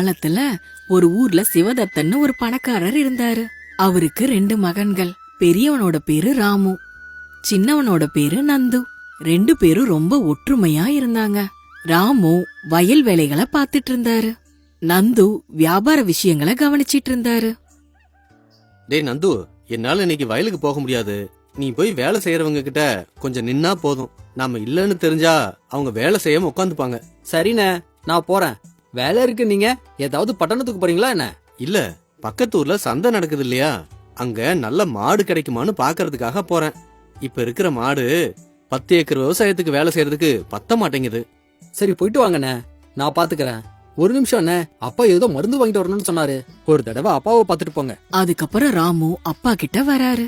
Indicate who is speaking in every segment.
Speaker 1: காலத்துல ஒரு ஊர்ல சிவதத்தன்னு ஒரு பணக்காரர் இருந்தாரு. அவருக்கு 2 மகன்கள். பெரியவனோட பேரு ராமு, சின்னவனோட பேரு நந்து. 2 பேரும் ரொம்ப ஒற்றுமையா இருந்தாங்க. ராமு வயல் வேலைகளை பாத்துட்டு இருந்தாரு. நந்து வியாபார விஷயங்களை கவனிச்சிட்டு இருந்தாரு.
Speaker 2: டேய் நந்து, என்னால இன்னைக்கு வயலுக்கு போக முடியாது. நீ போய் வேலை செய்யறவங்க கிட்ட கொஞ்சம் நின்னா போதும். நாம இல்லன்னு தெரிஞ்சா அவங்க வேலை செய்யாம உட்காந்துப்பாங்க.
Speaker 3: சரிண்ணே, நான் போறேன். வேலை இருக்கு. நீங்க ஏதாவது பட்டணத்துக்கு போறீங்களா என்ன?
Speaker 2: இல்ல, பக்கத்து ஊர்ல சந்தை நடக்குது இல்லையா, அங்க நல்ல மாடு கிடைக்குமான்னு பாக்குறதுக்காக போறேன். இப்ப இருக்கிற மாடு 10 ஏக்கர் விவசாயத்துக்கு வேலை செய்யறதுக்கு பத்த மாட்டேங்குது.
Speaker 3: சரி, போயிட்டு வாங்கண்ணே, நான் பாத்துக்கிறேன். ஒரு நிமிஷம் அண்ணே, அப்பா ஏதோ மருந்து வாங்கிட்டு வரணும்னு சொன்னாரு. ஒரு தடவை அப்பாவை பாத்துட்டு போங்க.
Speaker 1: அதுக்கப்புறம் ராமு அப்பா கிட்ட வராரு.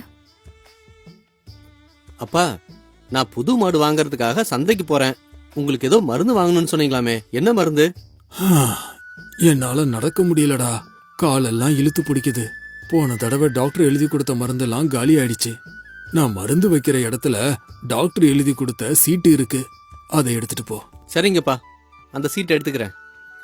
Speaker 2: அப்பா, நான் புது மாடு வாங்கறதுக்காக சந்தைக்கு போறேன். உங்களுக்கு ஏதோ மருந்து வாங்கணும்னு சொன்னீங்களாமே, என்ன மருந்து?
Speaker 4: என்னால நடக்க முடியலடா, காலெல்லாம் இழுத்து பிடிக்குது. போன தடவை டாக்டர் எழுதி கொடுத்த மருந்தெல்லாம் காலி ஆயிடுச்சு. நான் மருந்து வைக்கிற இடத்துல டாக்டர் எழுதி கொடுத்த சீட்டு இருக்கு, அதை எடுத்துட்டு போ.
Speaker 2: சரிங்கப்பா, அந்த சீட்டை எடுத்துக்கிறேன்.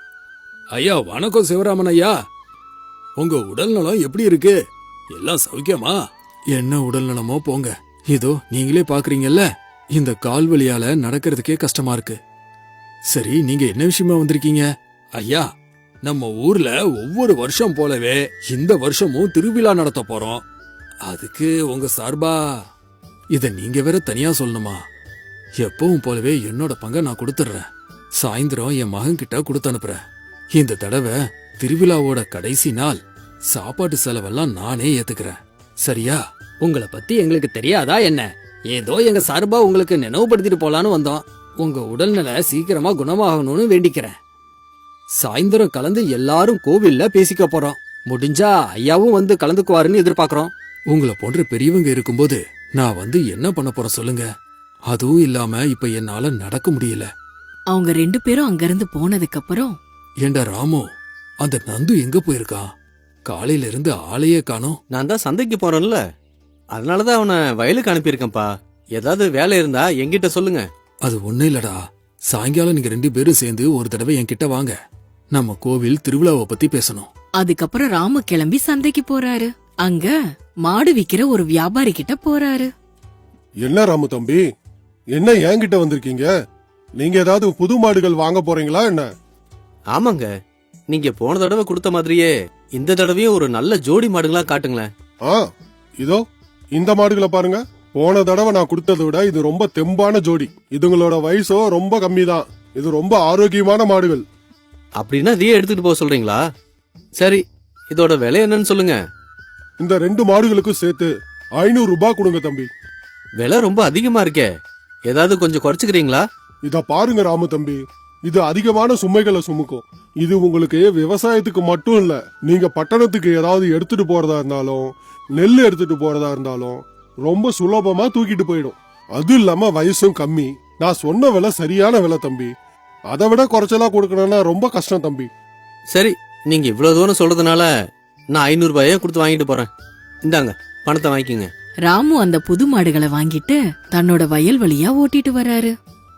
Speaker 4: ஐயா வணக்கம் சிவராமன் ஐயா. உங்க உடல் நலம் எப்படி இருக்கு? எல்லாம் சௌக்கியமா? என்ன உடல் நலமோ போங்க. இதோ நீங்களே பாக்குறீங்கல்ல, இந்த கால் வலியால நடக்கிறதுக்கே கஷ்டமா இருக்கு. சரி, நீங்க என்ன விஷயமா வந்திருக்கீங்க? ஐயா, நம்ம ஊர்ல ஒவ்வொரு வருஷம் போலவே இந்த வருஷமும் திருவிழா நடத்த போறோம். அதுக்கு உங்க சார்பா இத நீங்க வேற தனியா சொல்லணுமா? எப்பவும் போலவே என்னோட பங்கை நான் கொடுத்துடுறேன். சாயந்தரம் என் மகன் கிட்ட கொடுத்து அனுப்புறேன். இந்த தடவை திருவிழாவோட கடைசி நாள் சாப்பாட்டு செலவெல்லாம் நானே ஏத்துக்கிறேன். சரியா?
Speaker 3: உங்களை பத்தி எங்களுக்கு தெரியாதா என்ன? ஏதோ எங்க சார்பா உங்களுக்கு நினைவுபடுத்திட்டு போலான்னு வந்தோம். உங்க உடல்நிலை சீக்கிரமா குணமாகணும்னு வேண்டிக்கிறேன். சாயந்தரம் கலந்து எல்லாரும் கோவில்ல பேசிக்க போறோம். முடிஞ்சா ஐயாவும் வந்து கலந்துக்குவாருன்னு எதிர்பார்க்கறோம்.
Speaker 4: உங்களை போன்ற பெரியவங்க இருக்கும்போது நான் வந்து என்ன பண்ண போறேன் சொல்லுங்க? அதுவும் இல்லாம இப்ப என்னால நடக்க முடியல.
Speaker 1: அவங்க 2 பேரும் அங்கிருந்து போனதுக்கு அப்புறம்,
Speaker 4: ஏண்டா ராமு, அந்த நந்து எங்க போயிருக்கான்? காலையில இருந்து ஆளையே காணோம்.
Speaker 2: நான் தான் சந்தைக்கு போறேன்ல, அதனாலதான் அவனை வயலுக்கு அனுப்பியிருக்கேன்ப்பா. ஏதாவது வேலை இருந்தா என்கிட்ட சொல்லுங்க.
Speaker 4: அது ஒண்ணு இல்லடா, சாயங்காலம் நீங்க 2 பேரும் சேர்ந்து ஒரு தடவை என்கிட்ட வாங்க. நம்ம கோவில் திருவிழாவை பத்தி பேசணும்.
Speaker 1: அதுக்கப்புறம் ராமு கிளம்பி சந்தைக்கு போறாரு. அங்க மாடு விக்கிற ஒரு வியாபாரி கிட்ட போறாரு.
Speaker 5: என்ன ராமு தம்பி, என்ன என்கிட்ட வந்திருக்கீங்க? நீங்க ஏதாவது புது மாடுகள் வாங்க போறீங்களா என்ன?
Speaker 2: ஆமாங்க, நீங்க போன தடவை கொடுத்த மாதிரியே இந்த தடவையும் ஒரு நல்ல ஜோடி மாடுகளா காட்டுங்களேன்.
Speaker 5: இதோ இந்த மாடுகளை பாருங்க. போன தடவை நான் கொடுத்ததை விட இது ரொம்ப தெம்பான ஜோடி. இதுங்களோட வயசோ ரொம்ப கம்மி தான். இது ரொம்ப ஆரோக்கியமான மாடுகள்.
Speaker 2: அப்படின்னா இதையே எடுத்துட்டு போக சொல்றீங்களா? சரி, இதோட விலை என்னன்னு சொல்லுங்க.
Speaker 5: இந்த 2 மாடுகளுக்கும் சேர்த்து 500 ரூபாய் கொடுங்க தம்பி.
Speaker 2: விலை ரொம்ப அதிகமா இருக்கே, ஏதாவது கொஞ்சம் குறைச்சுக்கிறீங்களா?
Speaker 5: இத பாருங்க ராமு தம்பி, இது அதிகமான சுமைகளை சுமக்கும். இது உங்களுக்கு விவசாயத்துக்கு மட்டும் இல்ல, நீங்க பட்டணத்துக்கு ஏதாவது எடுத்துட்டு போறதா இருந்தாலும், நெல் எடுத்துட்டு போறதா இருந்தாலும் ரொம்ப சுலபமா தூக்கிட்டு போயிடும். அது இல்லாம வயசும் கம்மி. நான் சொன்ன விலை சரியான விலை தம்பி. அதை விட குறைச்சலா கொடுக்கணும்னா ரொம்ப கஷ்டம் தம்பி.
Speaker 2: சரி, நீங்க இவ்வளவு தூரம் சொல்றதுனால நான் 500 ரூபாயே கொடுத்து வாங்கிட்டு போறேன். இந்தாங்க, பணத்தை வாங்கிக்கோங்க.
Speaker 1: ராமு அந்த புது மாடுகளை வாங்கிட்டு தன்னோட வயல் வழியா ஓட்டிட்டு வராரு.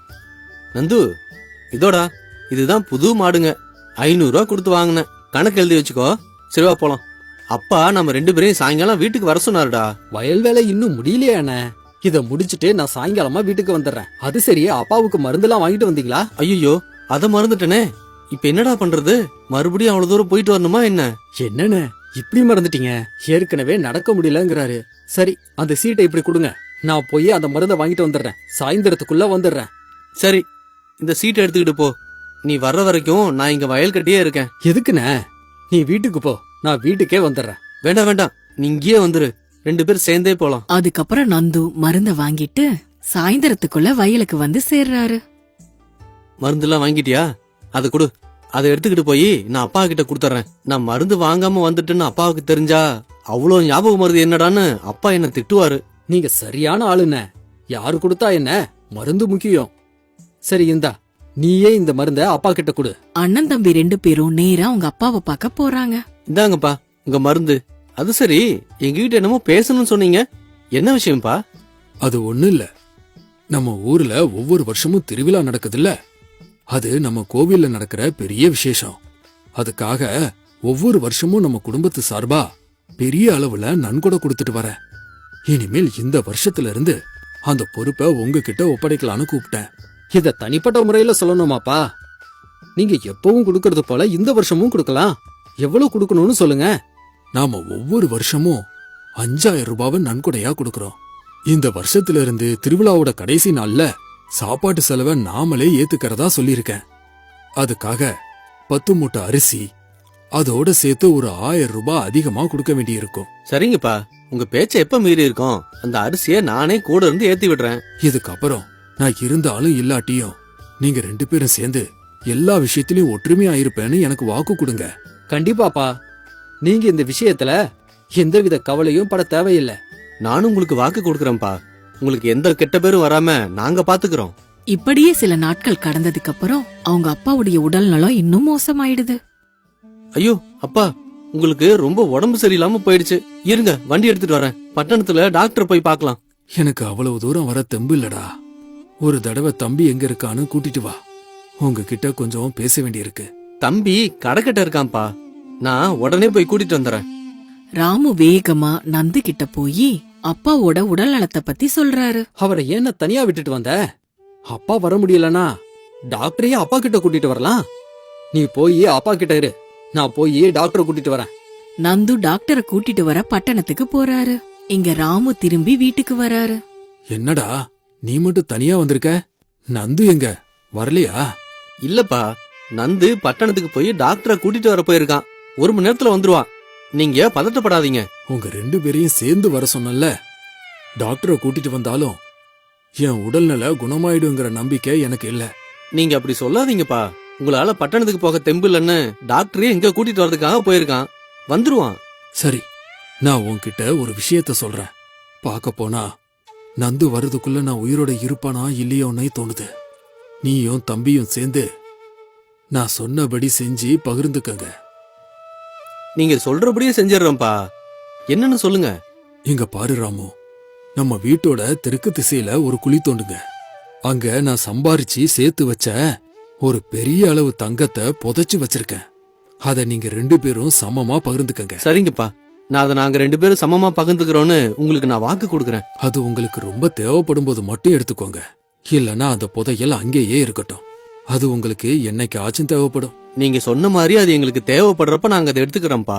Speaker 2: நந்து, இதோடா, இதுதான் புது மாடுங்க. 500 ரூபா கொடுத்து வாங்கினேன். கணக்கு எழுதி வச்சுக்கோ. சரிவா போலாம். அப்பா நம்ம 2 பேரையும் சாயங்காலம் வீட்டுக்கு வர சொன்னாருடா.
Speaker 3: வயல் வேலை இன்னும் முடியலையா அண்ணே? இத முடிச்சிட்டு நான் சாயங்காலமா வீட்டுக்கு வந்துடுறேன். அது சரியே, அப்பாவுக்கு மருந்தெல்லாம் வாங்கிட்டு வந்தீங்களா?
Speaker 2: ஐயோ, அத மறந்துட்டனே. இப்ப என்னடா பண்றது? மறுபடியும் அவ்வளவு தூரம் போயிட்டு வரணுமா என்ன?
Speaker 3: என்னண்ணே இப்படி மறந்துட்டீங்க? ஏற்கனவே நடக்க முடியலங்கிறாரு. சரி, அந்த சீட்டை இப்படி கொடுங்க, நான் போய் அந்த மருந்தை வாங்கிட்டு வந்துடுறேன். சாயந்தரத்துக்குள்ள வந்துடுறேன்.
Speaker 2: சரி, இந்த சீட்டை எடுத்துக்கிட்டு போ. நீ வர்ற வரைக்கும் நான் இங்க வயல் கட்டியே இருக்கேன்.
Speaker 3: எதுக்குண்ணே? நீ வீட்டுக்கு போ, நான் வீட்டுக்கே வந்துடுறேன்.
Speaker 2: வேண்டாம் வேண்டாம், நீ இங்கேயே வந்துரு. 2 பேரும் சேர்ந்தே போலாம்.
Speaker 1: அதுக்கப்புறம் நந்து மருந்த வாங்கிட்டு சாயந்தரத்துக்குள்ள வயலுக்கு வந்து சேர்றாரு.
Speaker 2: மருந்துலாம் வாங்கிட்டியா? அதை கொடு. அதை எடுத்துக்கிட்டு போய் நான் அப்பா கிட்ட கொடுத்துறேன். நான் மருந்து வாங்காம வந்துட்டுன்னு அப்பாவுக்கு தெரிஞ்சா அவ்வளவு ஞாபகம் மருந்து என்னடான்னு அப்பா என்ன திட்டுவாரு.
Speaker 3: நீங்க சரியான ஆளுண்ணே. யாரு கொடுத்தா என்ன, மருந்து முக்கியம். சரி, இந்தா, நீயே இந்த மருந்த அப்பா கிட்ட கொடு.
Speaker 1: அண்ணன் தம்பி 2 பேரும் நேரா அவங்க அப்பாவை பார்க்க போறாங்க.
Speaker 2: இந்தாங்கப்பா உங்க மருந்து. அது சரி, எங்ககிட்ட என்னமோ பேசணும்னு சொன்னீங்க, என்ன விஷயம்ப்பா?
Speaker 4: அது ஒண்ணு இல்ல, நம்ம ஊர்ல ஒவ்வொரு வருஷமும் திருவிழா நடக்குதுல்ல, அது நம்ம கோவில்ல நடக்கிற பெரிய விசேஷம். அதுக்காக ஒவ்வொரு வருஷமும் நம்ம குடும்பத்து சார்பா பெரிய அளவுல நன்கொடை கொடுத்துட்டு வரேன். இனிமேல் இந்த வருஷத்துல இருந்து அந்த பொறுப்பை உங்ககிட்ட ஒப்படைக்கலான்னு கூப்பிட்டேன்.
Speaker 3: இத தனிப்பட்ட முறையில சொல்லணுமாப்பா? நீங்க எப்பவும் கொடுக்கறது போல இந்த வருஷமும் கொடுக்கலாம். எவ்வளவு கொடுக்கணும்னு சொல்லுங்க.
Speaker 4: நாம ஒவ்வொரு வருஷமும் 5000 ரூபாவை நன்கொடையா கொடுக்கறோம். இந்த வருஷத்துல இருந்து திருவிழாவோட கடைசி நாள்ல சாப்பாட்டு செலவை நாமளே ஏத்துக்கிறதா சொல்லியிருக்கேன். அதுக்காக 10 மூட்டை அரிசி அதோட சேர்த்து ஒரு 1000 ரூபாய் அதிகமா கொடுக்க வேண்டியிருக்கும்.
Speaker 2: சரிங்கப்பா, உங்க பேச்ச எப்ப மீறி இருக்கோம்? அந்த அரிசியை நானே கூட இருந்து ஏத்தி விடுறேன்.
Speaker 4: இதுக்கப்புறம் நான் இருந்தாலும் இல்லாட்டியும் நீங்க 2 பேரும் சேர்ந்து எல்லா விஷயத்திலயும் ஒற்றுமையா இருப்பேன்னு எனக்கு வாக்கு கொடுங்க.
Speaker 3: கண்டிப்பாப்பா. நீங்க இந்த விஷயத்துல எந்தவித கவலையும் பட தேவையில்லை.
Speaker 2: நானும் உங்களுக்கு வாக்கு கொடுக்கறேன்ப்பா. உங்களுக்கு எந்த கெட்ட பேரும் வராம நாங்க பாத்துக்கிறோம்.
Speaker 1: இப்படியே சில நாட்கள் கடந்ததுக்கு அப்புறம் அவங்க அப்பாவுடைய உடல் நலம் இன்னும் மோசமாயிடுது.
Speaker 2: ஐயோ அப்பா, உங்களுக்கு ரொம்ப உடம்பு சரியில்லாம போயிடுச்சு. இருங்க, வண்டி எடுத்துட்டு வரேன். பட்டணத்துல டாக்டர் போய் பார்க்கலாம்.
Speaker 4: எனக்கு அவ்வளவு தூரம் வர தெம்பு இல்லடா. ஒரு தடவை தம்பி எங்க இருக்கான்னு கூட்டிட்டு வா. உங்ககிட்ட கொஞ்சம் பேச வேண்டியிருக்கு.
Speaker 2: தம்பி கடைக்கிட்ட இருக்கான்ப்பா. நான் உடனே போய் கூட்டிட்டு வந்துடுறேன்.
Speaker 1: ராமு வேகமா நந்து கிட்ட போய் அப்பாவோட உடல் நலத்தை பத்தி சொல்றாரு.
Speaker 3: அவரை ஏன் தனியா விட்டுட்டு வந்த? அப்பா வர முடியலனா டாக்டரையே அப்பா கிட்ட கூட்டிட்டு வரலாம். நீ போய் அப்பா கிட்ட இரு, நான் போய் டாக்டரை கூட்டிட்டு வரேன்.
Speaker 1: நந்து டாக்டரை கூட்டிட்டு வர பட்டணத்துக்கு போறாரு. இங்க ராமு திரும்பி வீட்டுக்கு வராரு.
Speaker 4: என்னடா நீ மட்டும் தனியா வந்திருக்க? நந்து எங்க வரலையா?
Speaker 2: இல்லப்பா, நந்து பட்டணத்துக்கு போய் டாக்டரை கூட்டிட்டு வர போயிருக்கான். 1 மணி நேரத்துல வந்துருவான். நீங்க பதட்டப்படாதீங்க.
Speaker 4: உங்க 2 பேரையும் சேர்ந்து வர சொன்னல. டாக்டரை கூட்டிட்டு வந்தாலும் என் உடல்நல குணமாயிடுங்கிற நம்பிக்கை எனக்கு இல்ல.
Speaker 2: நீங்க அப்படி சொல்லாதீங்கப்பா. உங்களால பட்டணத்துக்கு போக தெம்பு இல்லன்னு டாக்டரே எங்க கூட்டிட்டு வரதுக்காக போயிருக்கான். வந்துருவான்.
Speaker 4: சரி, நான் உன்கிட்ட ஒரு விஷயத்த சொல்றேன். பார்க்க போனா நந்து வர்றதுக்குள்ள நான் உயிரோட இருப்பானா இல்லையோன்னே தோணுது. நீயும் தம்பியும் சேர்ந்து நான் சொன்னபடி செஞ்சு பகிர்ந்துக்கங்க.
Speaker 2: நீங்க சொல்றபடியே செஞ்சிடறோம்ப்பா. என்னன்னு சொல்லுங்க.
Speaker 4: இங்க பாரு ராமு, நம்ம வீட்டோட தெற்கு திசையில ஒரு குழி தோண்டுங்க. அங்க நான் சம்பாரிச்சு சேர்த்து வச்ச ஒரு பெரிய அளவு தங்கத்தை புதைச்சு வச்சிருக்கேன். அத நீங்க 2 பேரும் சமமா பகிர்ந்துக்கங்க.
Speaker 2: சரிங்கப்பா, நான் அதை நாங்க 2 பேரும் சமமா பகிர்ந்துக்கிறோன்னு உங்களுக்கு நான் வாக்கு கொடுக்கறேன்.
Speaker 4: அது உங்களுக்கு ரொம்ப தேவைப்படும் போது மட்டும் எடுத்துக்கோங்க. இல்லனா அந்த புதையல் அங்கேயே இருக்கட்டும். அது உங்களுக்கு என்னைக்கு ஆச்சும் தேவைப்படும்.
Speaker 2: நீங்க சொன்ன மாதிரி அது எங்களுக்கு தேவைப்படுறப்ப நாங்க அதை எடுத்துக்கிறோம்ப்பா.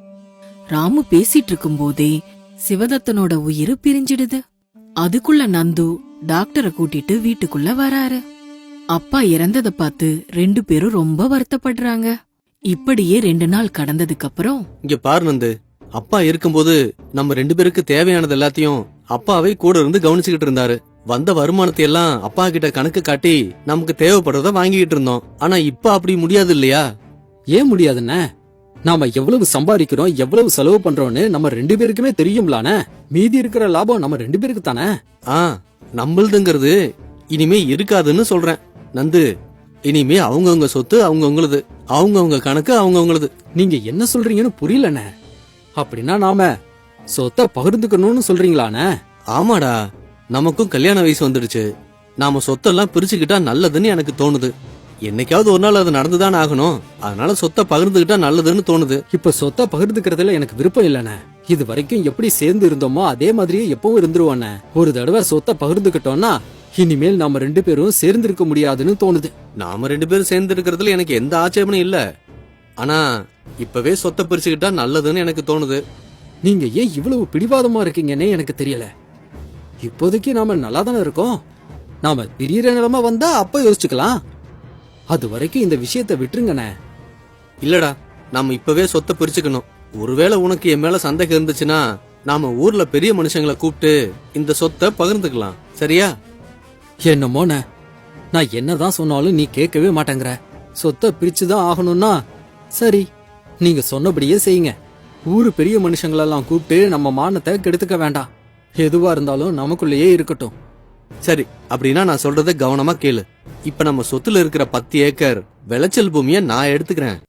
Speaker 1: ராமு பேசிட்டு இருக்கும் போதே சிவதத்தனோட உயிர் பிரிஞ்சிடுது. அதுக்குள்ள நந்து டாக்டரை கூட்டிட்டு வீட்டுக்குள்ள வராரு. அப்பா இறந்ததை பார்த்து 2 பேரும் ரொம்ப வருத்தப்படுறாங்க. இப்படியே 2 நாள் கடந்ததுக்கு அப்புறம்
Speaker 2: இங்க பாரு நந்து, அப்பா இருக்கும்போது நம்ம 2 பேருக்கு தேவையானது எல்லாத்தையும் அப்பாவே கூட இருந்து கவனிச்சுக்கிட்டு இருந்தாரு. வந்த வருமானத்தை எல்லாம் அப்பா கிட்ட கணக்கு காட்டி நமக்கு தேவைப்படுறத வாங்கிட்டு இருந்தோம். ஆனா இப்ப அப்படி முடியாது இல்லையா?
Speaker 3: ஏன் முடியாதுன்னு? நாம எவ்வளவு சம்பாதிக்கிறோம், எவ்வளவு செலவு பண்றோம்னு நம்ம 2 பேருக்குமே தெரியும்லானே. மீதி இருக்கிற லாபம் நம்ம 2 பேருக்கு தானே.
Speaker 2: நம்மளுதுங்கிறது இனிமே இருக்காதுன்னு சொல்றேன் நந்து. இனிமே அவங்கவுங்க சொத்து அவங்கவுங்களது, அவங்கவுங்க கணக்கு அவங்கவுங்களது.
Speaker 3: நீங்க என்ன சொல்றீங்கன்னு புரியலண்ணே. அப்படின்னா நாம சொத்தை பகிர்ந்துக்கணும்னு சொல்றீங்களாண்ணே?
Speaker 2: ஆமாடா, நமக்கும் கல்யாண வயசு வந்துடுச்சு. நாம சொத்தெல்லாம் பிரிச்சுக்கிட்டா நல்லதுன்னு எனக்கு தோணுது. என்னைக்காவது ஒரு நாள் அது நடந்துதான் ஆகணும். அதனால சொத்தை பகிர்ந்துகிட்டா நல்லதுன்னு தோணுது.
Speaker 3: இப்ப சொத்தை பகிர்ந்துக்கிறதுல எனக்கு விருப்பம் இல்லண்ணே. இது வரைக்கும் எப்படி சேர்ந்து இருந்தோமோ அதே மாதிரியே எப்பவும் இருந்துருவானே. ஒரு தடவை சொத்தை பகிர்ந்துகிட்டோம்னா இனிமேல் நாம 2 பேரும் சேர்ந்து இருக்க முடியாதுன்னு தோணுது.
Speaker 2: நாம 2 பேரும் சேர்ந்து இருக்கிறதுல எனக்கு எந்த ஆட்சேபனும் இல்ல. ஆனா இப்பவே சொத்தை பிரிச்சுக்கிட்டா நல்லதுன்னு எனக்கு தோணுது.
Speaker 3: நீங்க ஏன் இவ்வளவு பிடிவாதமா இருக்கீங்கன்னே எனக்கு தெரியல. இப்போதைக்கு நாம நல்லா தானே இருக்கோம். நாம பிரியற நிலைமை வந்தா அப்ப யோசிச்சுக்கலாம். அது வரைக்கும் இந்த விஷயத்தை விட்டுருங்கண்ணே.
Speaker 2: இல்லடா, நாம இப்பவே சொத்தை பிரிச்சுக்கணும். ஒருவேளை உனக்கு என் மேல சந்தேகம் இருந்துச்சுன்னா நாம ஊர்ல பெரிய மனுஷங்களை கூப்பிட்டு இந்த சொத்தை பகிர்ந்துக்கலாம். சரியா?
Speaker 3: என்னமோண்ணே, நான் என்னதான் சொன்னாலும் நீ கேட்கவே மாட்டேங்கிற. சொத்தை பிரிச்சுதான் ஆகணும்னா சரி, நீங்க சொன்னபடியே செய்யுங்க. ஊரு பெரிய மனுஷங்களெல்லாம் கூப்பிட்டு நம்ம மானத்தை கெடுத்துக்க வேண்டாம். எதுவா இருந்தாலும் நமக்குள்ளேயே இருக்கட்டும்.
Speaker 2: சரி, அப்படின்னா நான் சொல்றத கவனமா கேளு. இப்ப நம்ம சொத்துல இருக்கிற 10 ஏக்கர் விளைச்சல் பூமியை நான் எடுத்துக்கிறேன்.